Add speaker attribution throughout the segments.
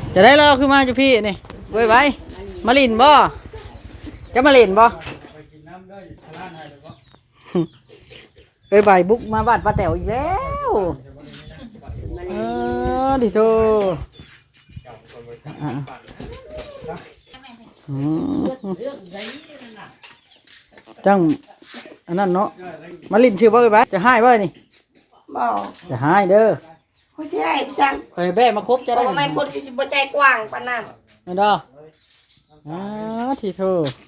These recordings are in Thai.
Speaker 1: จะได้เราขึ้นมาจุพี่นี่ไว้ไว้มาลินบ่จะมาลินบ่เอ้ยใบบุกมาบ้านป้าแต๋วอีกแล้วดิโตจังอันนั้นเนาะมาลินชื่อบ่เอ้ยบ้าจะให้บ่นี่
Speaker 2: บ่
Speaker 1: จะให้เด้อ
Speaker 2: เขาสิให้พี่ช่าง
Speaker 1: คอยแบ่มาครบจะได้
Speaker 2: บ่แม่นคนที่สิบ่ใจกว้างปานนั้น
Speaker 1: นั่นเด้อทีโต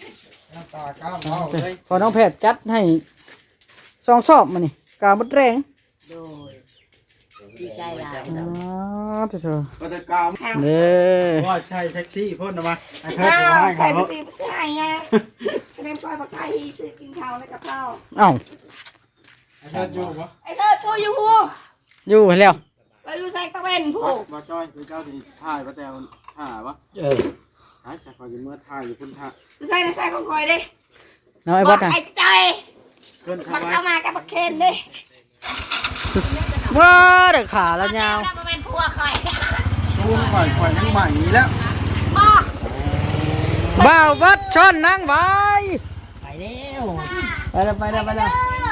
Speaker 1: พอน้องแพทย์จัดให้ซองสอบมานี่กาบดแรง
Speaker 2: โดยดีใจหลาย
Speaker 1: ทีโต
Speaker 3: ก็จะกาว
Speaker 1: เด้อ
Speaker 3: ว่าใช่แท็กซี่พ่นมาไอ้เธอ
Speaker 2: ใส่
Speaker 3: จะให้เขา
Speaker 2: สิบ่ใส่ไงเล่นปล่อยปากไก่ซื้อกินข้าวแล้วกับข้าว
Speaker 1: เอ้า
Speaker 3: ไอ้เธออยู่ปะ
Speaker 2: ไอ้เด้อปูอยู่ฮู้
Speaker 1: อยู่แล้ว
Speaker 2: เราอยู่ใส่ตะเวนผู้
Speaker 3: มาจ้อยคือเจ้าที่ถ่ายมาแต่ถ่ายปะถ่ายจากคอยอยู่เมื่อถ่ายอยู่คุณถ่าย
Speaker 2: ใส่ในใส่ของคอยดิ
Speaker 1: น้องไอ้บัดน่ะ
Speaker 2: ไอ้ใจบักเข้ามากับบักเคนดิ
Speaker 1: ว้าเด็กขาแล้วยาว
Speaker 2: มาเป็นผัวคอย
Speaker 3: ซูมข่อยยังใหม่แล้ว
Speaker 1: บ่าวบัดช้อนนั่งไปไปแล้วไปแล้ว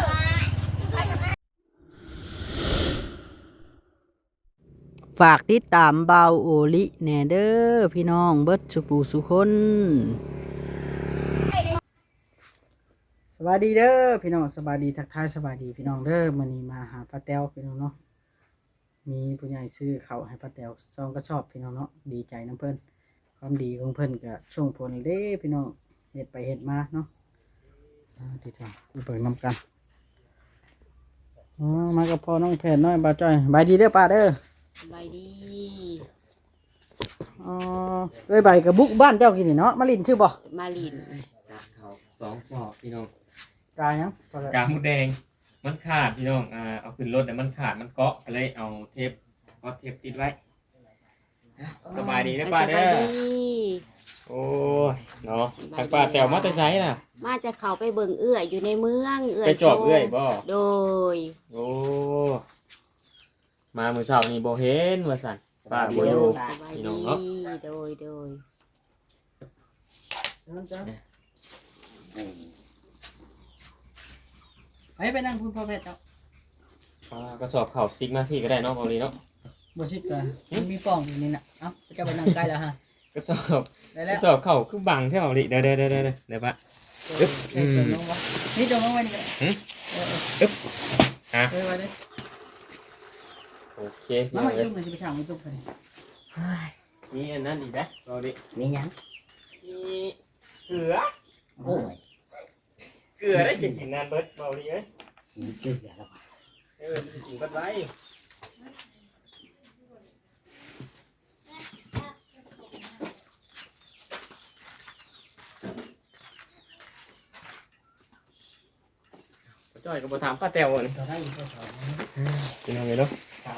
Speaker 1: ฝากติดตามเบาโอลิแน่เด้อพี่น้องเบิดสุปูสุคนสวัสดีเด้อพี่น้องสวัสดีทักทายสวัสดีพี่น้องเด้อมื้อนี้มาหาป้าแต้วพี่น้องเนาะมีผู้ใหญ่ซื้อข้าวให้ป้าแต้วซองก็ชอบพี่น้องเนาะดีใจน้ำเพิ่นความดีของเพิ่นก็ส่งผลเด้พี่น้องเฮ็ดไปเฮ็ดมาเนาะที่ทำกูเปิดนำกันมากับพ่อน้องแผนน้อยบ่าวจ้อยบายดีเด้อป้าเด้อ
Speaker 2: ใบดี
Speaker 1: เอ้ยใบกับบุกบ้านเจ้ากินนี่เนาะมาลินชื่อบ่
Speaker 2: มาลิน
Speaker 4: เขา2 สอบพี่น้อง
Speaker 1: กายัง
Speaker 4: กาหมูแดงมันขาดพี่น้องเอาขึ้นรถแต่มันขาดมันเกาะก็เลยเอาเทปติดไว้สบายดีนะป้าเด้อโอ้ยเนาะทางป้าแต๋วมาแต่ไสล่ะ
Speaker 2: มาจะเข้าไปเบิ่งเอื้อยอยู่ในเมืองเอื้อย
Speaker 4: ไปจอบเอื้อยบ่
Speaker 2: โดย
Speaker 4: โอ้มามื้อเช้านี่บ่เห็นว่าซั่นป้าบ่อยู่พี่น้องเนาะ
Speaker 2: โดย
Speaker 1: ไปนั่งคุณพ่อแพทย์เจ้า
Speaker 4: ก็สอบเข่าซิกมาพี่ก็ได้เนาะเอาเลยเนาะ
Speaker 1: บ่ซิกก็มันมีป่องอยู่นี่น่ะเอ้าจะไปนั่งใกล้แล้วฮะ
Speaker 4: ก็สอบเข่าคือบังแถวนี้เดี๋ยวปะ
Speaker 1: นี่จงลงไว้นี่ก็ไว้เลย
Speaker 4: โอเค
Speaker 1: มาจุ่มเลยจะไปทางไม่จุ่มเลย
Speaker 4: นี่อันนั้นอีกนะเราดิ
Speaker 1: มียัง
Speaker 4: มีเกลือ
Speaker 1: โอ้ย
Speaker 4: เกลือได้กินนานเบิร์ดเบาดีเอ้ย
Speaker 1: เกลือแล้ว
Speaker 4: จะกินเบิร์ดไว้จ่อยกับบถามป้าแต๋วนี่กินอะไรเนาะ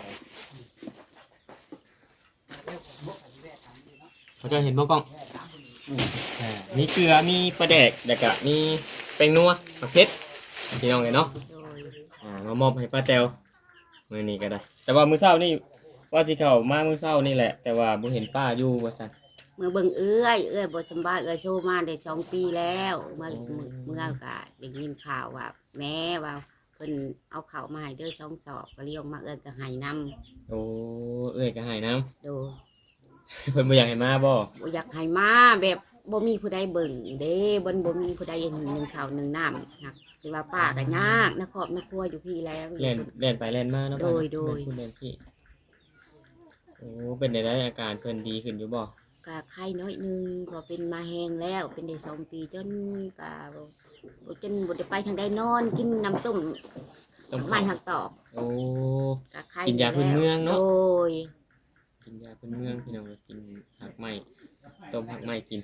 Speaker 4: เขาจะเห็นบ้างกล้องมีเกลือมีปลาแดกแล้วก็มีแป้งนัวมะเขือพี่น้องเลยเนาะมามอบให้ป้าแต๋วมื้อนี้ก็ได้แต่ว่ามื้อเช้านี่ว่าสิเข้ามามื้อเช้านี่แหละแต่ว่าบ่เห็นป้าอยู่ว่าซั่น
Speaker 2: เมื่อเบิ่งเอื้อยบ่สบายโชว์มาได้2 ปีแล้วเมื่อก็ได้ยินข่าวว่าแม่ว่าเพิ่นเอาข้าวมาให้เด้อ2 สอบก็เลี้ยงมาก็ให้นำ
Speaker 4: โอ้ก็ให้นำ
Speaker 2: โด
Speaker 4: เพิ่นบ่อยากให้มาบ่
Speaker 2: อยากให้มาแบบบ่มีผู้ใดเบิ่งเด้บ่มีผู้ใด1ข้าว1น้ำครับคือว่าป้าก็ยากนะครอบครัวอยู่พี่แล้ว
Speaker 4: เล่นไปเล่นมาเนาะ
Speaker 2: โดย
Speaker 4: คุณเล่นพี่โอ้เป็นได้อาการเพิ่นดีขึ้นอยู่บ่
Speaker 2: ก็ไข้น้อยนึงก็เป็นมาแห้งแล้วเป็นได้2 ปีจนก็บ่ได้ไปทางใดนอนกินน้ำต้มไม้หักตอก
Speaker 4: โอ้กินยาพื้นเมืองเนาะ
Speaker 2: โอ้ย
Speaker 4: กินยาพื้นเมืองพี่น้องกินผักไม้ต้มผักไม้กิน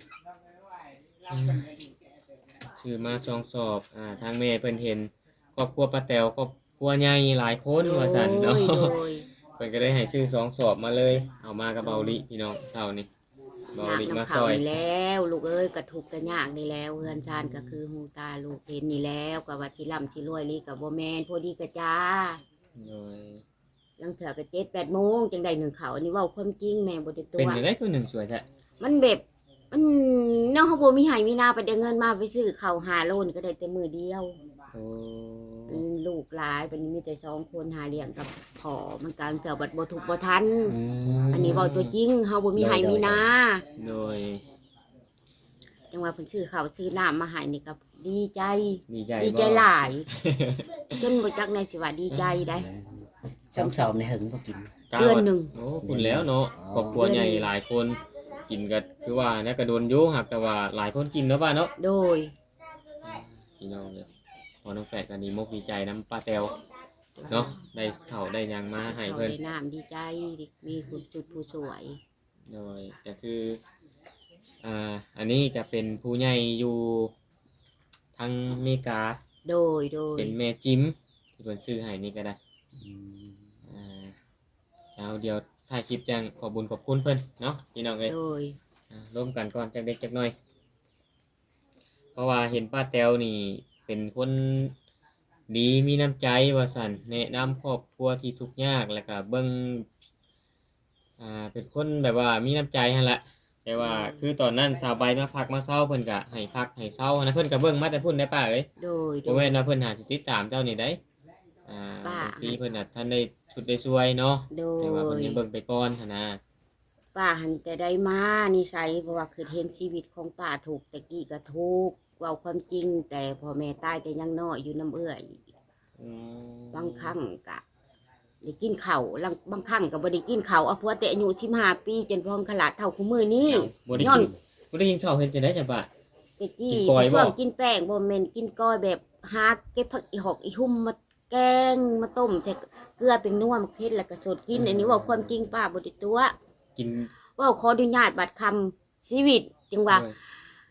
Speaker 4: ชื่อมา2 สอบทางแม่เพิ่นเห็นครอบครัวป้าแต๋วครอบครัวใหญ่หลายคนว่าซั่นเนาะเพิ่นก็ได้ให้ชื่อ2 สอบมาเลยเอามากับเบาลิพี่น้องเช้านี้เบาลิมาซอย
Speaker 2: แล้วลูกเอ้ยกระทุกกระยากนี่แล้วเฮือนชานก็คือหูตาลูกเห็นนี่แล้วก็ว่าที่ร่ำที่รวยลีก็บ่แม่นพอดีกะจ้า
Speaker 4: โดย
Speaker 2: ลังเถื่อก็7-8 โมงจังได้หนึ่งเขาวอันนี้เว้าความจริงแม่บ่ได้ตัว
Speaker 4: เป็นจังได๋คือหนึ่งสวยแท้
Speaker 2: มันแบบมันเนาะเฮาบ่มีให้มีนาไปได้เงินมาไปซื้อข้าว5 โลนี่ก็ได้แต่มื้อเดียว
Speaker 4: โอ้
Speaker 2: ลูกหลายเป็นมีแต่2 คนหาเลี้ยงกับพ่อมันการเกิดบัดบ่ถูกบ่ทันอันนี้เว้าตัวจริงเฮาบ่มีให้มีนา
Speaker 4: โดย
Speaker 2: จังว่าเพิ่นซื้อข้าวซื้อน้ำมาให้นี่ก็ดีใจ
Speaker 4: ดีใจ
Speaker 2: ดีใจหลาย จนบ่จักในสิว่าดีใจได้
Speaker 5: ช่องสอบในหึงบ่กิน
Speaker 2: เดือนหนึ่ง
Speaker 4: โอ้คุณแล้วเนาะครอบครัวใหญ่หลายคนกินก็คือว่าเนี่ยก็โดนอยู่หักแต่ว่าหลายคนกินเนาะป้าเนาะ
Speaker 2: โดย
Speaker 4: พี่น้องเลยพอน้องแฝดกันดีมกดีใจน้ำป้าแตวเนาะได้เข่าได้หยังมาให้
Speaker 2: เขา
Speaker 4: เพิ่น
Speaker 2: ได้น้ำดีใจมีคุณจุดผู้สวย
Speaker 4: โดยก็คืออันนี้จะเป็นผู้ใหญ่อยู่ทางอเมริกา
Speaker 2: โดย
Speaker 4: เป็นแม่จิมที่เพิ่นซื้อให้นี่ก็ได้เอาเดี๋ยวถ่ายคลิปจังขอบุญขอบคุณเพิ่นเนาะพี่น้องเอ้ย
Speaker 2: โดย
Speaker 4: ร่วมกันก่อนจักเด็กจักน้อย เพราะว่าเห็นป้าแตวนี่เป็นคนดีมีน้ำใจว่าสั่นแนะนำครอบครัวที่ทุกข์ยากแล้วก็เบิ่งเป็นคนแบบว่ามีน้ำใจหั่นแหละแต่ว่าคือตอนนั้นสาวใบมาพักมาเศร้าเพิ่นก็ให้พักให้เศร้านะเพิ่นก็เบิ่งมาแต่พุ่นได้ป้าเอ้ย
Speaker 2: โดย
Speaker 4: บ่แม่นว่าเพิ่นหาสิติดตามเจ้านี่ได้บางทีเพิ่นน่ะท่านได้ชุดได้ช่วยเนาะ
Speaker 2: โด
Speaker 4: แต่ว่าเพิ่น
Speaker 2: ย
Speaker 4: ยังเบิ่งไปก่อนหั่นนะ
Speaker 2: ป้าหันแต่ได้มานิสัยเพราะว่าคือเห็นชีวิตของป้าถูกแต่กี้ก็ถูกเว้าความจริง แต่พ่อแม่ตายแต่ยังน้อยอยู่น้ำเอื้อย
Speaker 4: อืม
Speaker 2: บางครั้งก็ได้กินข้าวบางครั้งก็บ่ได้กินข้าวเอาผัวแต่อายุ15 ปีจนพร้อมขลาดเท่าคู่มือนี้
Speaker 4: บ่ได้
Speaker 2: ย้อ
Speaker 4: กิ
Speaker 2: น
Speaker 4: นบ่ได้กินข้าวเฮ็ดจังได๋จ้ะป้า
Speaker 2: แต่กี้
Speaker 4: กินกอยบ่
Speaker 2: ช่วงกินแป้งบ่แม่นกินก้อยแบบหาเก็บผักอีหอกอีหุ่มมาแกงมาต้มใส่เกลือเป็นนัวมะเขือแล้วก็สดกินอันนี้เว่าความจริงป้าบ่ได้ตัว
Speaker 4: กิน
Speaker 2: เว่าขออนุญาตบัดคำชีวิตจังว่า
Speaker 4: เออบ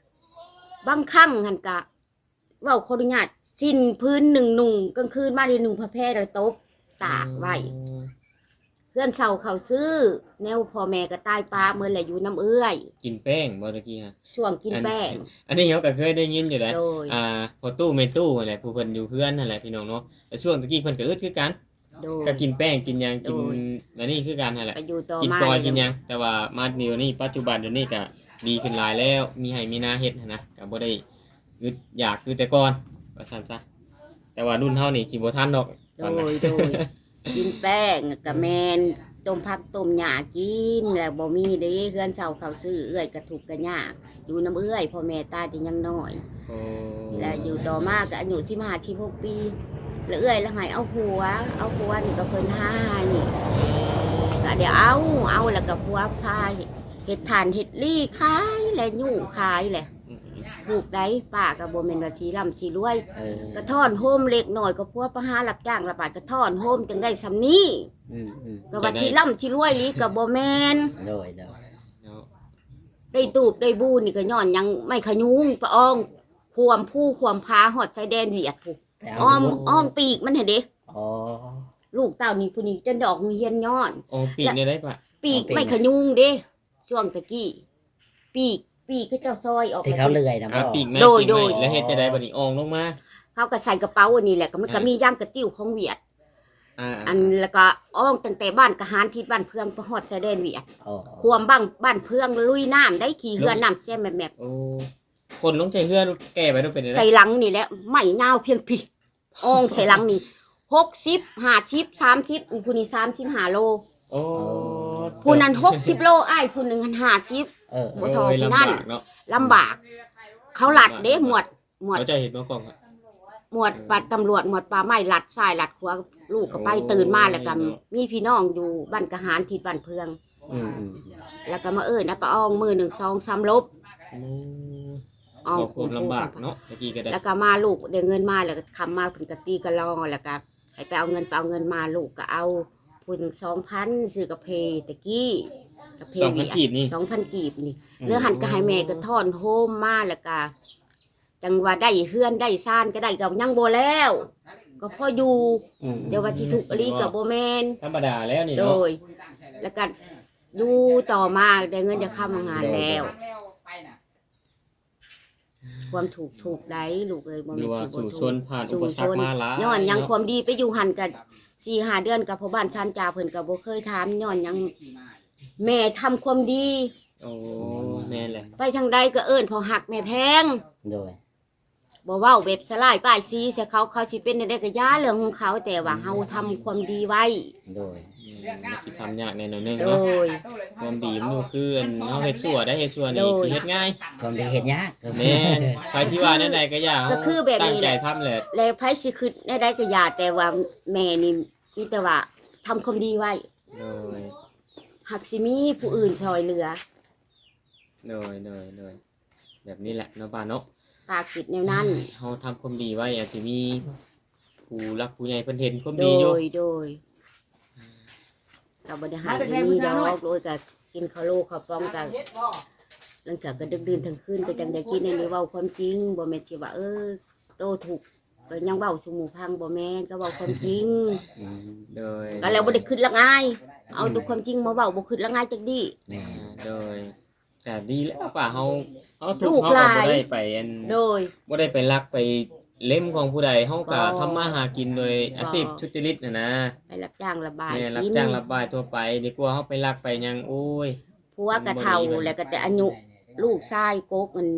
Speaker 2: างครั้งหั่นกะเว่าขออนุญาตสิ้นพื้นหนึ่งนุ่งกลางคืนมาได้นุ่งผ้าแพร่แล้วตบตากไว้เพื่อนเฒ่าเขาซื้อ แนวพ่อแม่ก็ตายป้าเมื่อแหละอยู่น้ำเอื้อย
Speaker 4: กินแป้งบ่ตะกี้ฮะ
Speaker 2: ช่วงกินแป้ง
Speaker 4: อันนี้เขาก็เคยได้ยินอยู่แล้ว
Speaker 2: โดย
Speaker 4: พอตู้แม่ตู้นั่นแหละผู้เพิ่นอยู่เพื่อนนั่นแหละพี่น้องเนาะแต่ช่วงตะกี้เพิ่นก็อึดคือกัน
Speaker 2: โดย
Speaker 4: ก็กินแป้งกินหยังกิน
Speaker 2: โดย
Speaker 4: อันนี้คือกันนั่นแหละ
Speaker 2: ไปอยู่ต่อ
Speaker 4: กิน
Speaker 2: มาก
Speaker 4: อยกินหยังแต่ว่ามาเดี๋ยวนี้ปัจจุบันเดี๋ยวนี้ก็ดีขึ้นหลายแล้วมีให้มีหน้าเฮ็ดหั้นนะก็บ่ได้อึดอยากคือแต่ก่อนว่าซั่นซะแต่ว่ารุ่นเฮานี่สิบ่ทันดอก
Speaker 2: โด
Speaker 4: ตอนนั้น
Speaker 2: ยกินแป้งกับแมนต้มผักต้มหญ้ากินแล้วบ่มีเด้เฮือนเฒ่าเขาซื้อเอื้อยกระถูกกระยากอยู่น้ำเอื้อยพ่อแม่ตายแต่ยังน้อย
Speaker 4: โอ้
Speaker 2: แล้วอยู่ต่อมาก็อายุ15-16 ปีแล้วเอื้อยแล้วให้เอาผัวนี่ก็เพิ่นหานี่ก็เดี๋ยวเอาแล้วก็ผัวพาเฮ็ดทานเฮ็ดลี่ขายและยู่ขายแหละ
Speaker 4: อืม
Speaker 2: ถูกได้ป้าก็บ่แม่นว่าสิร่ำสิรวย
Speaker 5: เออก
Speaker 2: ระท่อนโฮมเล็กหน่อยก็พวกประหารับจ้างระบาดกระท่อนโฮมจังได้สำนี้
Speaker 5: อืม
Speaker 2: ก็ว่าที่ล่ำที่รวยลีกับบ่แมน
Speaker 5: โดย
Speaker 4: เนาะ
Speaker 2: ได้ตูบได้บูนี่ก็ย้อนยังไม่ขยุงปะอองความผู้ความพาหอดชายแดนเวียดผู้
Speaker 5: ไปเา
Speaker 2: อ้อมปีกมันเห็นเด้
Speaker 5: อ๋อ
Speaker 2: ลูกเต้านี่ผู้นี้จะดอกเฮียนย้อน
Speaker 4: โอ้ปีกได้ปะ
Speaker 2: ปีก
Speaker 5: เอาปีก
Speaker 2: ไม่ขยุงเด้ช่วงตะกี้ปีกก็เจ้าซอยออก
Speaker 5: ที่เขาเลื่อยนะ
Speaker 4: อ่ะ
Speaker 5: บ่
Speaker 4: ปีกแม่
Speaker 2: โดย
Speaker 4: ปีก
Speaker 2: โด
Speaker 4: แม่
Speaker 2: ย
Speaker 4: แล้วเฮ็ดจะได้บัดนี้อองลงมา
Speaker 2: เขาก็ใส่กระเป๋าอันนี้แหละก็มันก็มีย่างกระติ้วของเวียด อันแล้วก็อ้องตั้งแต่บ้านกะหารทิศบ้านเพื่องไปฮอดชายแดนเวียด
Speaker 5: อ๋อ
Speaker 2: ความบ้านเพื่องลุยน้ำได้ขี่เรือน้ำแช่แมบ
Speaker 4: โอ้คนลงใจเฮือแก่ไปต้องเป็นอะไร
Speaker 2: ใส่หลังนี่แหละไม่ยาวเพียงพี่อ่องใส่หลังนี่60 50 30ผู้นี้35 โล
Speaker 4: โอ้
Speaker 2: ผู้นั้น60 โลอ้ายผู้หนึงหัน50
Speaker 5: เออ
Speaker 2: บ่ทอ
Speaker 4: โย
Speaker 2: ผู้นั่น
Speaker 4: ลำบากเนาะ
Speaker 2: ลำบาก เขาหลัดเด้หมวด
Speaker 4: เขาจะเห็นมากล้องครับ
Speaker 2: ปัดตำรวจหมวดป่าไม้หลัดซ้ายหลัดขวาลูกก็ไปตื่นมาแล้วก็มีพี่น้องอยู่บ้านกะหารทิศบ้านเพื่อง
Speaker 5: อืม
Speaker 2: แล้วก็มานะป้าอ้องมือ1 2 3ลบ
Speaker 4: อ๋อความลำบากเนาะตะกี้ก็ได้
Speaker 2: แล้วก็มาลูกได้เงินมาแล้วก็คำมาเพิ่นก็ตีกะลองแล้วก็ให้ไปเอาเงินมาลูกก็เอาพูดถึง2,000ซื้อกาแฟตะกี้กาแฟ
Speaker 4: 2,000กีบนี่
Speaker 2: 2,000 กีบนี่เรือหันก็ให้แม่ก็ทอนโฮมมาแล้วก็จังว่าได้เฮือนได้ซ่านก็ได้ก็ยังบ่แล้ว ก็พออยู่
Speaker 5: อืม
Speaker 2: เดี๋ยวว่าสิทุกข์อลีก็บ่แม่น
Speaker 4: ธรรมดาแล้วนี่
Speaker 2: โด
Speaker 4: เนาะ
Speaker 2: ย แล้วก็อยู่ต่อมาได้เงินจะเข้างานแล้ว ความถูกได้ลูกเอ้ยบ่
Speaker 4: หรื
Speaker 2: แม่
Speaker 4: อน ว่า
Speaker 2: สิบ่
Speaker 4: สู่ช
Speaker 2: ถู
Speaker 4: น
Speaker 2: ก
Speaker 4: ผ่านอุปสรรคมาหลาย
Speaker 2: ย้อนยังความดีไปอยู่หันกัน 4-5 เดือนกับพ่อบ้านชันจ่าเพิ่นก็บ่เคยถามย้อนหยังแม่ทำความดี
Speaker 4: โอ้แม่นแหละ
Speaker 2: ไปทางใดก็เอิ้นพอหักแม่แพง
Speaker 5: โดย
Speaker 2: บ่เว้าแบบสลายป้ายสีใส่เขาสิเป็นได้ก็ย่าเรื่องของเขาแต่ว่าเฮาทำความดีไว้
Speaker 5: โดย
Speaker 4: มันสิทำยากแน่นอนนึง
Speaker 2: โด
Speaker 4: เนาะ
Speaker 2: ย
Speaker 4: ความดีมันก็คืออันเฮาเฮ็ดชั่วได้เฮ็ดชั่วนี่
Speaker 2: โดย
Speaker 4: สิเฮ็ดง่าย
Speaker 5: ความได้เฮ็ดยาก
Speaker 4: แม่นใครสิว่าแนวใดก็อย่า
Speaker 2: ก็คือแบบนี้
Speaker 4: ตั้งใจ
Speaker 2: แหละ
Speaker 4: ทำแหละ
Speaker 2: แล้วไผสิคิดได้ก็ย่าแต่ว่าแม่นี่มีแต่ว่าทำความดีไว้
Speaker 4: โดย
Speaker 2: หักสิมีผู้อื่นช่วยเหลือ
Speaker 4: โดยแบบนี้แหละเนาะป้าเนาะ
Speaker 2: ปากคิดแนวนั้น
Speaker 4: เฮาทำความดีไว้อาจจะมีผู้รักผู้ใหญ่เพิ่นเห็นความ
Speaker 2: โด
Speaker 4: ดีอยู่
Speaker 2: ยก็บ่ได้หายมีดอกโดยก็กินข้าวโลข้าวปองก็หลังจากก็ดึกดื่นทั้งคืนก็จังได้กินอันนี้เว้าความจริงบ่แม่นสิว่าโตถูกก็ยังเว้าสู่หมู่พังบ่แม่นก็เว้าความจริง
Speaker 5: อืม
Speaker 4: โดย
Speaker 2: ก็แล้วบ่ได้คิดละง่ายเอาแตัวความจริงมาเว้าบ่คิดละง่ายจักดี
Speaker 5: แม่
Speaker 4: โดยแต่ดีแล้วป้าเฮาทุ
Speaker 2: ลู
Speaker 4: ก
Speaker 2: ก
Speaker 4: เฮา
Speaker 2: ห
Speaker 4: ก็
Speaker 2: ลาย
Speaker 4: บ่ได้ไปอัน
Speaker 2: โดย
Speaker 4: บ่ได้ไปลักไปเล่มของผู้ใดเฮาก็
Speaker 2: บ่
Speaker 4: ทำมาหากินโดยอาชีพทุจริตน่ะนะ
Speaker 2: ไปรับจ้างระบาย
Speaker 4: แม่รับ
Speaker 2: กิน
Speaker 4: จ้างรับบายทั่วไปดีกว่าเฮาไปลักไปหยังโอ้ย
Speaker 2: ผัวกะเฒ่าแล้วก็แต่อายุลูกชายโกกมัน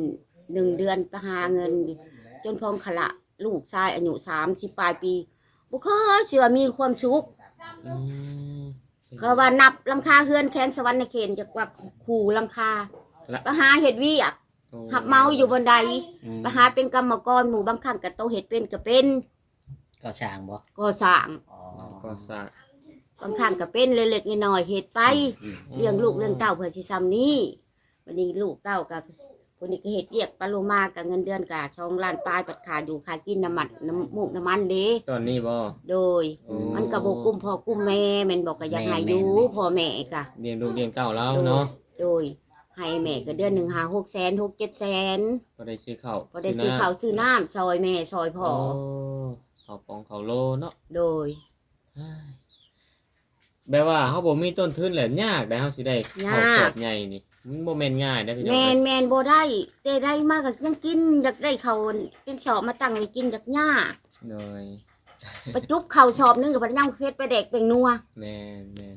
Speaker 2: 1 เดือนไปหาเงิน จนพองขละลูกชายอายุ30ปลายปีบ่เคยสิว่ามีความสุข
Speaker 4: อืม
Speaker 2: ก็ว่านับหลังคาเฮือนแค้นสวรรค์ในเขตจักว่าขู่หลังคา
Speaker 4: ละ
Speaker 2: ไปหาเฮ็ดเวียก
Speaker 4: โอ้
Speaker 2: หับเมาอยู่บนใด
Speaker 5: อืม
Speaker 2: ไปหาเป็นกรรมกรหมู่บางครั้งก็โตเฮ็ดเป็นก็เป็น
Speaker 5: ก็ช่างบ่
Speaker 2: ก่อสร้าง
Speaker 5: อ๋อ
Speaker 4: ก็สร้าง
Speaker 2: บางครั้งก็เป็นเล็กๆน้อยๆเฮ็ดไป
Speaker 5: อืม
Speaker 2: เลี้ยงลูกเลี้ยงเต้าเพื่อสิซ้ำนี้วันนี้ลูกเต้าก็คนนี้ก็เฮ็ดเวียกปลาโลมากับเงินเดือนก็2 ล้านปลายปัดขาดอยู่ค่ากินน้ำมันน้ำมูกน้ำมันเด้
Speaker 4: ตอนนี้บ่
Speaker 2: โดย มันก็บ่กุ้มพ่อกุ้มแม่แม่นบอกก็อยากให้อยู่พ่อแม่ก็
Speaker 4: เลี้ยงลูกเลี้ยงเต้าแล้วเนาะ
Speaker 2: โดยให้แม่ก็เดือนหนึ่งหา600,000 6-700,000
Speaker 4: ก็ได้ซื้อข้าว
Speaker 2: พอได้ซื้อข้าวซื้อน้ำซอยแม่ซอยพ่อ
Speaker 4: ข้าวปองข้าวโลเนาะ
Speaker 2: โดย
Speaker 4: แบบว่าเฮาบ่มีต้นทุนแหละยากได้เฮาสิได้ข้าวย
Speaker 2: าก
Speaker 4: สอบใหญ่นี่มันบ่แม่นง่ายนะพี่น้อง
Speaker 2: แม
Speaker 4: เอ้
Speaker 2: น
Speaker 4: ย
Speaker 2: แมนบ่ได้แต่ได้มากก็ยังกินอยากได้เขาวเป็นสอบมาตั้งไว้กินจากหญ้า
Speaker 4: โดย
Speaker 2: ไปจุบข้าวสอบหนึงกับพยังเพชรไปแดกเป็นนัว
Speaker 4: แม่น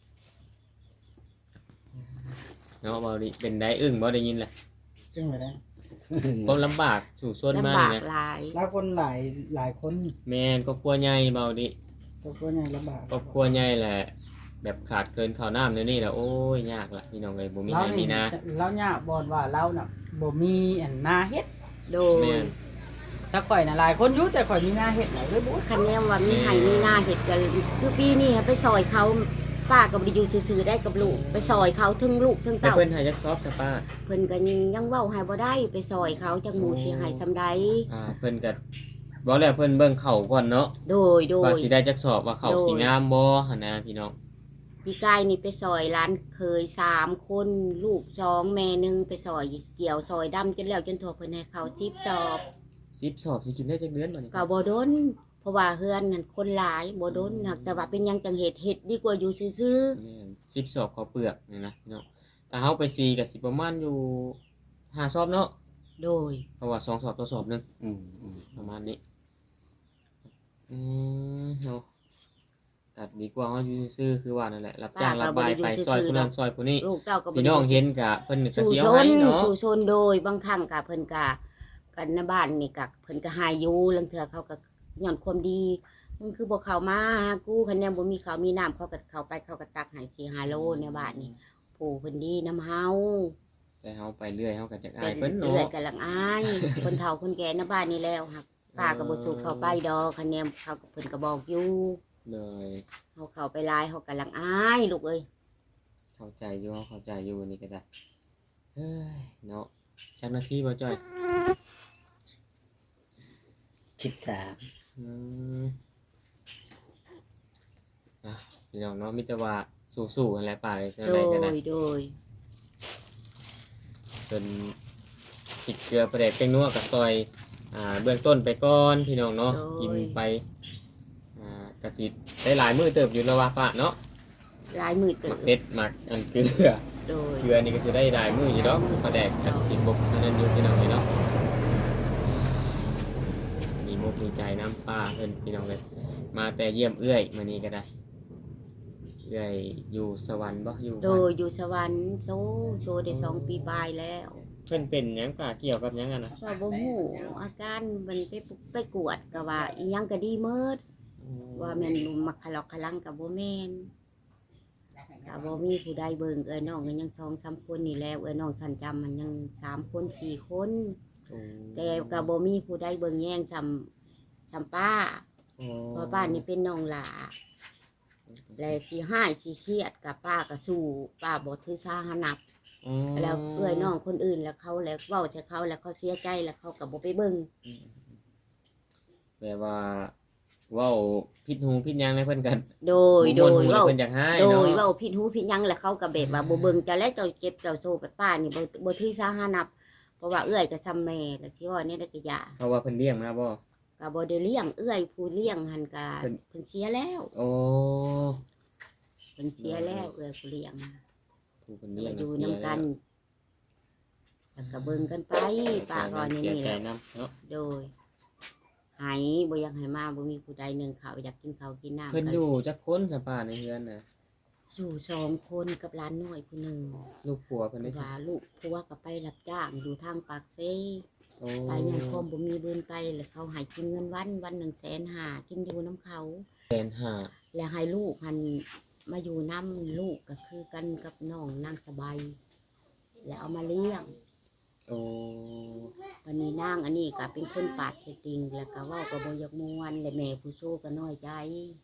Speaker 4: เนาะบ่ดิเป็นได้อึ้งบ่ได้ยินแหละ
Speaker 1: จึงไปได้
Speaker 4: ความลำบากสู่ส่วนมา
Speaker 2: ลำบาก
Speaker 4: นี่นะ
Speaker 2: หลาย
Speaker 1: หลายคนหลายคน
Speaker 4: แม่นครอบครัวใหญ่เบาดิ
Speaker 1: ก็ก็ยังลำบาก
Speaker 4: ครอบครัวใหญ่แหละ แบบขาดเกินข้าวน้ำเดี๋ยวนี้แหละโอ้ยยากละพี่น้องเอ้ยบ่มีให้มีนะ
Speaker 1: เราเนี่ยบอดว่าเราน่ะบ่มีอันนาเฮ็ด
Speaker 2: โดย
Speaker 4: แม่น
Speaker 1: ถ้าข่อยน่ะหลายคนอยู่แต่ข่อยมีนาเฮ็ดไหนเลยบ่
Speaker 2: คันแนมว่ามีไห้มีหน้าเห็ดกันคือปีนี้ให้ไปซอยเขาป้าก็บ่ได้อยู่ซื่อๆได้กับลูกไปซอยเขาทั้งลูกทั้ง
Speaker 4: แต่
Speaker 2: เต้า
Speaker 4: เพิ่นให้จักซอบซะป้า
Speaker 2: เพิ่นก็ยังเว้าให้บ่ได้ไปซอยเขาจังหมู่สิให้ซำใด
Speaker 4: เพิ่นก็บอกแล้วเพิ่นเบิ่งเข่าก่อนเนาะ
Speaker 2: โดย
Speaker 4: ว่าสิได้จักสอบว่าเข่าสิงามบ่หั่นนะพี่น้อง
Speaker 2: พี่กายนี่ไปซอยร้านเคย3 คนลูก2แม่1ไปซอยเกี่ยวซอยดำจนแล้วจนทั่วเพิ่นให้เขา10 สอบ
Speaker 4: 10สอบสิกินได้จักเดือนบัดนี้
Speaker 2: ก็บ่ดนเพราะว่าเฮือนนั่นคนหลายบ่ดนหักแต่ว่าเป็นหยังจังเฮ็ดดีกว่าอยู่ซื่อ
Speaker 4: แม่น10สอบข้าวเปลือกนี่นะพี่น้องถ้าเฮาไป4ก็สิประมาณอยู่5สอบเนาะ
Speaker 2: ๆโดย
Speaker 4: เพราะว่า2สอบต่อสอบหนึง
Speaker 5: อืม
Speaker 4: ประมาณนี้เนาะตัดดีกว่าเฮาอยู่ซื่อๆคือว่านั่นแหละรับจ้างรับบายไปซอยผู้นั้นซอยผู้นี้
Speaker 2: ลูกเต้าก็บ่
Speaker 4: พี่
Speaker 2: ได้
Speaker 4: น้องเห็นกะเพิ่นก็
Speaker 2: สู่
Speaker 4: สิ
Speaker 2: ช
Speaker 4: เอาให้
Speaker 2: น
Speaker 4: เนาะ
Speaker 2: สู่ชนโดยบางครั้งก็เพิ่นก็กันในบ้านนี่ก็เพิ่นก็หายอยู่ลางเทื่อเขาก็ย้อนความดีมึงคือบ่เข้ามาหากูคันแนมบ่มีข้าวมีน้ำเขาก็เข้าไปเขาก็ตักให้4-5 โลในบ้านนี่ผู้เพิ่นดีนํเฮา
Speaker 4: แต่เฮาไปเรื่อยเฮาก็จักอา
Speaker 2: แต่
Speaker 4: ยเพิ่น
Speaker 2: เรื่อย
Speaker 4: เนาะ
Speaker 2: ๆก็ลังอายคนเฒ่าคนแก่ในบ้านนี่แล้วครับป้าก็บ่สู้เข้าไปดอกคันแนมเขาก็เพิ่นก็บอกอยู่
Speaker 4: เลย
Speaker 2: เฮาเข้าไปหลายเฮาก็ลังอายลูกเอ้ย
Speaker 4: เข้าใจอยู่เฮาเข้าใจอยู่นี่ก็ได้เฮ้ยเนาะจักนาทีบ่จ้อย
Speaker 5: 13
Speaker 4: อืมพี่น้องเนาะมีแต่ว่าสู้ๆนั่นแหละป่าเลยจัง
Speaker 2: โด
Speaker 4: ไดก็
Speaker 2: ย
Speaker 4: ได้
Speaker 2: โดย
Speaker 4: จนติดเกลือประเดกแป้งนัวกับซอยเบื้องต้นไปก่อนพี่น้องเนาะกินไปกะสิได้หลายมื้อเติบอยู่แล้วว่าป้าเนาะ
Speaker 2: หลายมื้อ
Speaker 4: ห
Speaker 2: เติ
Speaker 4: มั
Speaker 2: บ
Speaker 4: กเผ็ดหมักอันเกลือ
Speaker 2: โดย
Speaker 4: เกลือนี่ก็สิได้หลายมื้ออยู่ดอกประแดกกับกินบกเท่านั้นอยู่พี่น้องเลยเนาะมีมุกมีใจน้ำป้าเพิ่นพี่น้องเลยมาแต่เยี่ยมเอื้อยมื้อนี้ก็ได้เอื้อยอยู่สวรรค์บ่อยู่
Speaker 2: โด
Speaker 4: บ้าน
Speaker 2: ยอยู่สวรรค์โซได้2 ปีปลายแล้ว
Speaker 4: เพิ่นเป็นหยังกะเกี่ยวกับหยังกันนะ
Speaker 2: ว่าบ่ฮู้อาการมันไปกวดก็ว่าอีหยังก็ดีหมดว่าแม่นมักขะลอกขะลังก็บ่แม่นก็บ่มีผู้ใดเบิ่งเอ้ยน้องก็ยัง2-3 คนนี่แหล้วเอ้ยน้องสันจำมันยัง3 คน 4 คน แต่ก็บ่มีผู้ใดเบิ่งแย่งซ้ำป้าเพราะป้านี่เป็นน้องหลาและสิหายสิเครียดกับป้าก็สู้ป้าบ่ถือสาหานับ แล้วเอื้อยน้องคนอื่นแล้วเขาแล้วเว้าใส่เขาแล้วเขาเสียใจแล้วเขาก็บ่ไปเบิ่ง
Speaker 4: แปลว่าเว้าผิดหูผิดหยังเลยเพิ่นกัน
Speaker 2: โดย
Speaker 4: เว้า
Speaker 2: เว้า
Speaker 4: เพิ่นอยากให้
Speaker 2: โด
Speaker 4: เนาะ
Speaker 2: ยเว้าผิดหูผิดหยังแล้วเขาก็แบบว่าบ่เบิ่งเจ้าแล้วเจ้าเจ็บเจ้าโซกับป้านี่บ่ถือสาหานับเพราะว่าเอื้อยก็ซ้ำแม่แล้วที่ว่านี่ได้ก็ยา
Speaker 4: เพราะว่าเพิ่นเลี้ยงมาบ่
Speaker 2: ก็บ่ได้เลี้ยงเอื้อยผู้เลี้ยงหันก็
Speaker 4: เพิ่น
Speaker 2: เพิ่นเสียแล้ว
Speaker 4: โอ้
Speaker 2: เพิ่นเสียแล้วเอื้อยผู้เลี้ยง
Speaker 4: ผู้เพิ่นเลี้ยง
Speaker 2: อยู่
Speaker 4: เสีย
Speaker 2: นำกันแล้วก็เบิ่งกันไปป้าก็นี่
Speaker 4: เสีย
Speaker 2: นี่
Speaker 4: ใจ
Speaker 2: แหละ
Speaker 4: นํเนาะ
Speaker 2: โดยหายบ่อยากให้มาบ่มีผู้ใดหนึ่งเขาวอยากกินข้าวกินน้ำ
Speaker 4: เพิ่น
Speaker 2: ก็
Speaker 4: อยู่จักคนสปาในเฮือนน่ะ
Speaker 2: อยู่2 คนกับหลานน้อยผู้หนึ่ง
Speaker 4: ลูกผัวเพิ่นได้
Speaker 2: ว่าลูกผัวก็ไปรับจ้างอยู่ทางปากเซ
Speaker 4: โอ้
Speaker 2: ไปเงินคมบ่มีเบืนไปแล้วเขาให้กินเงินวัน150,000กินอยู่น้ำเขา
Speaker 4: 150,000
Speaker 2: แล้วให้ลูกหันมาอยู่น้ำลูกก็คือกันกับน้องนางสบายแล้วเอามาเลี้ยง
Speaker 4: โอ้
Speaker 2: วันนี้นางอันนี้ก็เป็นคนปาดเชติงแล้วก็เว่าก็บ่อยากม่วนและแม่ผู้โชก็น้อยใจ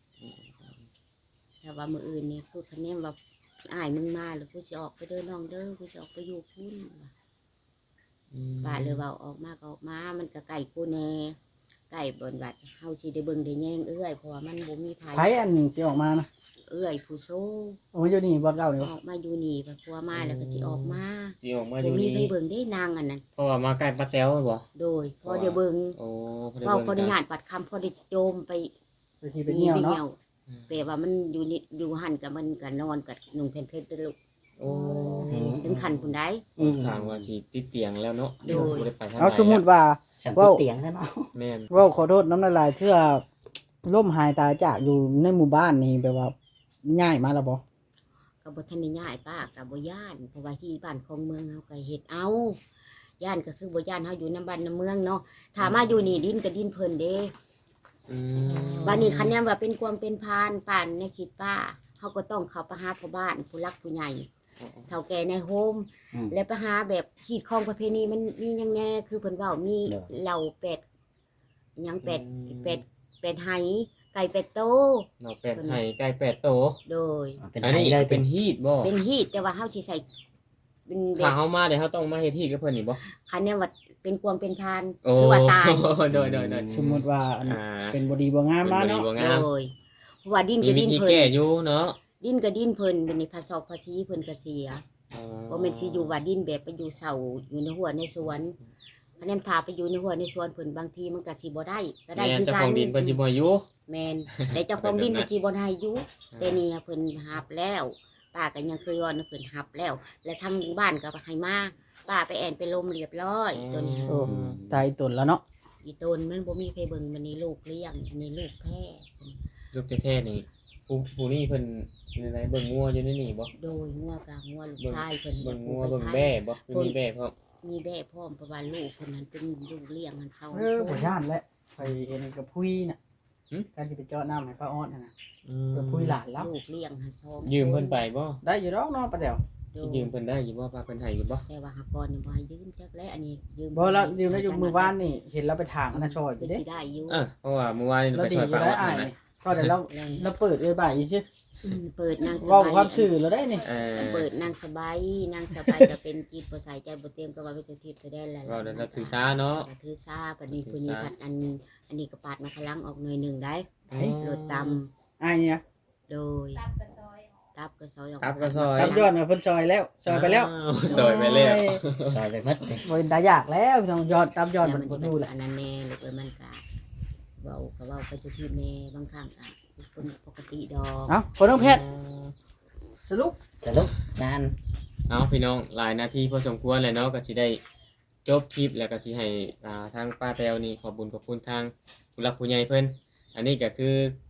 Speaker 2: แต่ว่ามื้ออื่นนี่คือคะแนนว่าอ้ายมึงมาแล้วกูสิออกไปเด้อน้องเด้อกูสิออกไปอยู่พุ่นป้าเลยเว้าออกมาก็ออกมามันก็ไก่กูแน่ไก่บนวัดเฮาสิได้เบิ่งได้แย่งเอื้อยเพราะว่ามันบ่มีไผ
Speaker 1: ไผอันสิออกมานะ
Speaker 2: เอื้อยผู้โช
Speaker 1: โอ้ยอยู่นี่บ่เล่าเดี๋ยว
Speaker 2: ออกมาอยู่นี่เพราะว่ามาแล้วก็สิออกมา
Speaker 4: สิออกมาอ
Speaker 2: บ่
Speaker 4: ยู่
Speaker 2: มี
Speaker 4: นี่
Speaker 2: ไผเบิ่งได้นางอันนั้น
Speaker 4: เพราะว่ามาใกล้ป้าแต๋วบ่
Speaker 2: โดยพอเดี๋ยวเบิ่ง
Speaker 4: โอ้พอได้
Speaker 2: เว้า
Speaker 4: เบิ่ง
Speaker 2: ขออนุ
Speaker 4: กัน
Speaker 2: ญาตปัดคำพอได้โจมไป
Speaker 1: ไปที่ไปเที่ยวเนาะ
Speaker 2: แปลว่ามันอยู่นี่อยู่หันกับมันกับนอนกับนุ่งเพนเพชรด้วยลูก
Speaker 4: โอ้
Speaker 2: ถึงขันคุณได้
Speaker 4: ทางว่าสิติดเตียงแล้วเนาะ
Speaker 2: โดย
Speaker 4: บ่ได้ไปทาง
Speaker 1: เอา
Speaker 4: ไหน
Speaker 1: สมมุติว่า
Speaker 5: สัง
Speaker 1: ว้าว
Speaker 5: เตียงซะเนาะ
Speaker 4: แม่น
Speaker 1: เว้าขอโทษน้ำละลายเชื่อล่มหายตายจากอยู่ในหมู่บ้านนี่แบบว่าง่ายมาแล้วบ่
Speaker 2: กับบทันได้ย่ายป้ากับบ่ย่านเพราะว่าที่บ้านของเมืองเฮาก็เฮ็ดเอาย่านก็คือบ่ย่านเฮาอยู่น้ำบ้านน้ำเมืองเนาะถ้ามาอยู่นี่ดินก็ดินเพิ่นเด้
Speaker 4: อืม
Speaker 2: บ้านนี้คันแนนว่าเป็นความเป็นพานป่านในคิดป้าเฮาก็ต้องเข้าไปหาพ่อบ้านผู้รักผู้ใหญ่เฒ่าแก่ในโฮมและไปหาแบบขีดของประเพณีมันมีหยังแน่คือเพิ่นเว้ามีเหล่าเป็ดหยังเป็ดไหไก่เป็ดโต
Speaker 4: เนาะเป็ดไห้ไก่เป็ดโต
Speaker 2: โดย
Speaker 5: เป็น
Speaker 4: อัน
Speaker 5: ไห้
Speaker 4: นี้
Speaker 5: เลย
Speaker 4: เป็นฮีทบ่
Speaker 2: เป็นฮีตแต่ว่าเฮาสิใส่เป็นแบ
Speaker 4: ถ้า
Speaker 2: บ
Speaker 4: เฮามาเดี๋ยวเฮาต้องมาเฮ็ดฮีทกับเพิ่นนี่บ่
Speaker 2: คันแนนว่าเป็นกวงเป็นพาน
Speaker 4: โอ้
Speaker 2: คือว่าตาย
Speaker 4: โดย
Speaker 1: สมมุติว่าอัน
Speaker 4: อ่า
Speaker 1: เป็นบ่ดีบ่งามมา
Speaker 4: เป็น
Speaker 1: เนาะ
Speaker 4: บ่
Speaker 2: โด
Speaker 4: งาม
Speaker 2: ยเพราะว่าดิน
Speaker 4: มี
Speaker 2: ก็
Speaker 4: วิ
Speaker 2: ดิน
Speaker 4: ธี
Speaker 2: เพิ่
Speaker 4: แก้
Speaker 2: น
Speaker 4: อยู่เนาะ
Speaker 2: ดินก็ดินเพิ่นเป็นในภาษอกภาษีเพิ่นก็เสียบ่แม่นสิอยู่ว่าดินแบบไปอยู่เสาอยู่ในหัวในสวนคันแนนถ้าไปอยู่ในหัวในสวนเพิ่นบางทีมันก็สิบ่ได้ก็ได้
Speaker 4: แม่น
Speaker 2: คือ
Speaker 4: เจ้า
Speaker 2: กั
Speaker 4: ของดินเพิ่นสิบ่อยู่
Speaker 2: แม่นแต่เจ้าของดินก็สิบ่ได้อยู่แต่นี่เพิ่นหับแล้วป้าก็ยังเคยว่าเพิ่นหับแล้ว และทางบ้านก็ให้มาป้าไปแอนไปลมเรียบร้อยตัวนี้
Speaker 1: โอ้ตายตนแล้วเนาะ
Speaker 2: อีตนมันบ่มีใครเบิ่งมันนี่ลูกเลี้ยงอันนี้ลูกแพ้
Speaker 4: ลูกแท้ๆนี่ผู้นี่เพิ่นในไหนเบิ่งงัวอยู่ในนี่บ่
Speaker 2: โดยงัวกลางงัวลูกชายเพิ่น
Speaker 4: เบิ่งงัวเบิ่งแบ่บ่มีแบ่พร้อม
Speaker 2: มีแบ่พร้อมเพราะว่าลูกเพิ่นนั้นเป็นลูกเลี้ยงมันเขา
Speaker 1: บ่ย่านแล้วไปเห็นกับพุยน่ะการสิไปเจาะน้ำให้ป้าออดน่ะนะกับพุยหลานแล้ว
Speaker 2: ลูกเลี้ยงหันชอบ
Speaker 4: ยืมเพิ่นไปบ่
Speaker 1: ได้อยู่ดอกเนาะป้าแต๋ว
Speaker 4: สิยืมเพิ่นได้อยู่บ่ป้าเพิ่นให้อยู่บ่
Speaker 2: แต่ว่าหากรนี่บ่ให้ยืมจักแล้วอันนี้ยืม
Speaker 1: บ่แล้วอยู่ในอยู่มือบ้านนี่เห็นเราไปถางอันนั้นชอยอ
Speaker 2: ก็
Speaker 1: ยู่เด้
Speaker 2: สิได้อยู่
Speaker 4: เพราะว่าเมื่อวานนี้
Speaker 1: แล้ว
Speaker 4: ไป
Speaker 1: ดี
Speaker 4: ซอย
Speaker 1: อยู่
Speaker 4: ป้า
Speaker 1: ได้
Speaker 4: ออด
Speaker 1: อ้าย
Speaker 4: นั่น
Speaker 1: นี่ก็เดี๋ยวเราเปิดเลยบ่ายอีกซิ
Speaker 2: เปิดนางส
Speaker 1: เว้า
Speaker 2: บาย
Speaker 1: ความซื่อแล้วได้นี่
Speaker 2: เปิดนางสบายนางสบายก็เป็นจิตบ่ใส่ใจบ่เต็มก็ว่าเป็นทิพย์แสดงแล้ว
Speaker 4: เราเดี๋ยวเราถือซาเนาะ
Speaker 2: ก็ถือซาปานนี้ผู้นี้ผัดอันนี้ก็ปาดมาพลังออกหน่อยหนึงได้รถตำ
Speaker 1: อ้ายเนี่ย
Speaker 2: โดยตับก็ซอยออก
Speaker 4: ครับก็ซอย
Speaker 1: ตับยอดน่ะเพิ่นซอยแล้วซอยไปแล้ว
Speaker 4: ซอยไปแล้ว
Speaker 5: ซอยไปหมดเลย
Speaker 1: บ่เป็นตายากแล้วพี่น้องยอดตับยอด
Speaker 2: แล้ว
Speaker 1: มัน
Speaker 2: มัน
Speaker 1: บ่
Speaker 2: จะ
Speaker 1: ดู
Speaker 2: เป็น
Speaker 1: แหละ
Speaker 2: อันนั้นแน่หรือว่ามันก็เว้าก็เว้าไปทุกทีแน่บางครั้งก็เป็นปกติดอก
Speaker 1: เอ้าคนน้องเพชรสรุป
Speaker 5: สรุปงาน
Speaker 4: เอาพี่น้องหลายนาทีพอสมควรเลยเนาะก็สิได้จบคลิปแล้วก็สิให้ทางป้าแตวนี่ขอบคุญทางผู้หลักผู้ใหญ่เพิ่นอันนี้ก็คือ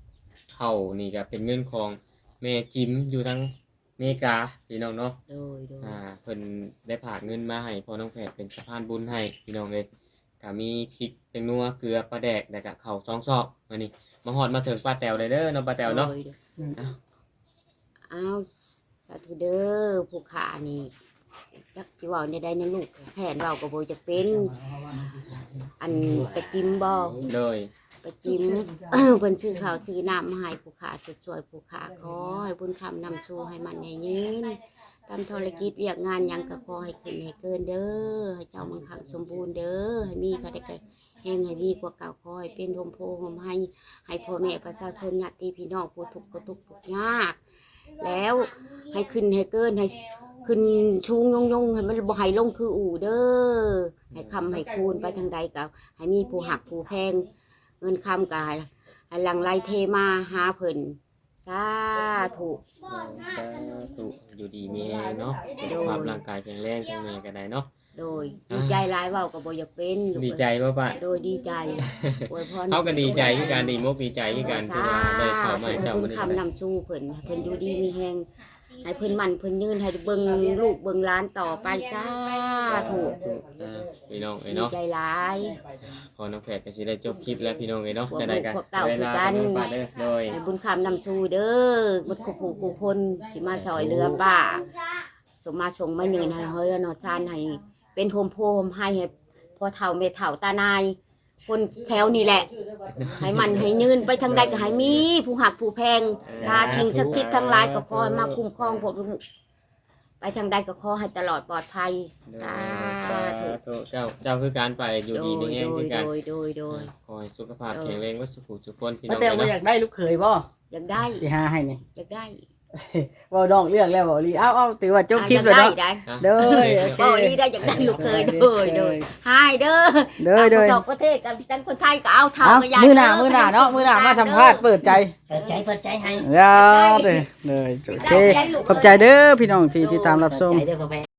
Speaker 4: เข้านี่ก็เป็นเงินของแม่จิมอยู่ทางอเมริกาพี่น้องเนาะ
Speaker 2: โดย
Speaker 4: เพิ่นได้ฝากเงินมาให้พ่อน้องแพทย์เป็นสะพานบุญให้พี่น้องเลยก็มีพริกแตงนัวเกลือปลาแดกแล้วก็ข้าว2ซอกมานี่มาฮอดมาถึงป้าแตวได้เด้อเนาะป้าแตวเนาะ
Speaker 2: อ้าวสาธุเด้อผู้ขานี่จักสิเว้าได้นะลูกแผนเว้าก็บ่จะเป็น อันไปจิ้มบ่
Speaker 4: โดย
Speaker 2: ไปจิ้ม เพิ่นซื้อข้าวซื้อน้ำมาให้ผู้ขาช่วยผู้ขาขอให้บุญคำนำสู่ให้มันให้ยืนทำธุรกิจเวียกงานหยังก็ขอให้ขึ้นให้เกินเด้อให้เจ้ามังคังสมบูรณ์เด้อให้มีก็ได้ก็แห่งให้มีกว่าเก่าขอให้เป็นโฮมโพโฮมให้พ่อแม่ประชาชนญาติพี่น้องผู้ทุกข์ก็ทุกข์ยากแล้วให้ขึ้นให้เกินให้ขึ้นชูงยงให้มันบ่ให้ลงคืออู่เด้อให้คำให้คูณไปทางใดก็ให้มีผู้หักผู้แพงเงินคำก็ให้หลังไหลเทมาหาเพิ่นสาธุ
Speaker 4: สาธุอยู่ดีมีแรงเนาะสุขภาพร่างกายแข็งแรงทั้งแม่ก็ได้เนาะ
Speaker 2: โดยดีใจหลายเว้าก็บ่อยากเป็นลูก
Speaker 4: ดีใจบ่ป้า
Speaker 2: โดยดีใจอวยพร
Speaker 4: เฮาก็ดีใจคือการดีมุกดีใจคือการที่ว่าได้เข้ามาให้เจ้า
Speaker 2: บุ
Speaker 4: มื้
Speaker 2: ญ
Speaker 4: อนี้
Speaker 2: คำนำสู้เพิ่นให้เพิ่นอยู่ดีมีแฮงให้เพิ่นมั่นเพิ่นยืนให้เบิ่งลูกเบิ่งหลานต่อไปสาธุ
Speaker 4: พี่น้องเอ้ย
Speaker 2: ดี
Speaker 4: เนาะ
Speaker 2: ใจหลาย
Speaker 4: พอน้องแพทย์ก็สิได้จบคลิปแล้วพี่น้องเอ้ยเนาะจะได้กัน
Speaker 2: พวกเก่า
Speaker 4: เวลา
Speaker 2: คือกัน
Speaker 4: เป็นป้าเด้อโดย
Speaker 2: ให้บุญคำนำสู้เด้อบุญผู้ผู้คนที่มาช่วยเหลือป้าสมมาส่งมายืนให้เฮ้ยเนาะจานให้เป็นโฮมโพมให้พอเฒ่าแม่เฒ่าตานาย คนแถวนี่แหละ ให้มันให้ยืนไปทางใดก็ให้มี ผู้หักผู้แพงชาชิงศักดิ์สิทธิ์ทั้งหลายก็ขอให้มาคุ้มครองพวกลูกไปทางใดก็ขอให้ตลอดปลอดภัยสา
Speaker 4: สา
Speaker 2: ธุ
Speaker 4: ธุเจ้าคือการไปอยู่ดีมีแรงคือกัน
Speaker 2: โดย
Speaker 4: ขอให้สุขภาพแข็งแรงวัสุขสุขคนพี่น้
Speaker 1: ป้า
Speaker 4: อง
Speaker 1: แตวบ่
Speaker 4: เนาะ
Speaker 1: อยากได้ลูกเขยบ่
Speaker 2: อยากได้
Speaker 1: สิหาให้นี่
Speaker 2: อยากได้
Speaker 1: เว้าดองเรื่องแล้วบ่ลีเอาถือว่าจบคลิป
Speaker 2: อ
Speaker 1: แล้ว
Speaker 2: ยาก
Speaker 1: เนาะ
Speaker 2: ได้
Speaker 1: เด้อโอเค
Speaker 2: บ่ลีได้อยากได้ลูกเคยโดยให้เด้อ
Speaker 1: เด้อเด้อ
Speaker 2: ต่างประเทศกับทั้งคนไทยก็เอาเท่า
Speaker 1: เอา
Speaker 2: กับยาย
Speaker 1: มื้อหน้าเนาะมื้อหน้ามาสัมภาษณ์เปิดใจ
Speaker 5: เปิดใจให้
Speaker 1: แล้วเด้อโอเคขอบใจเด้อพี่น้องที่ติดตามรับชม
Speaker 5: ใจเด้อพ่อแม่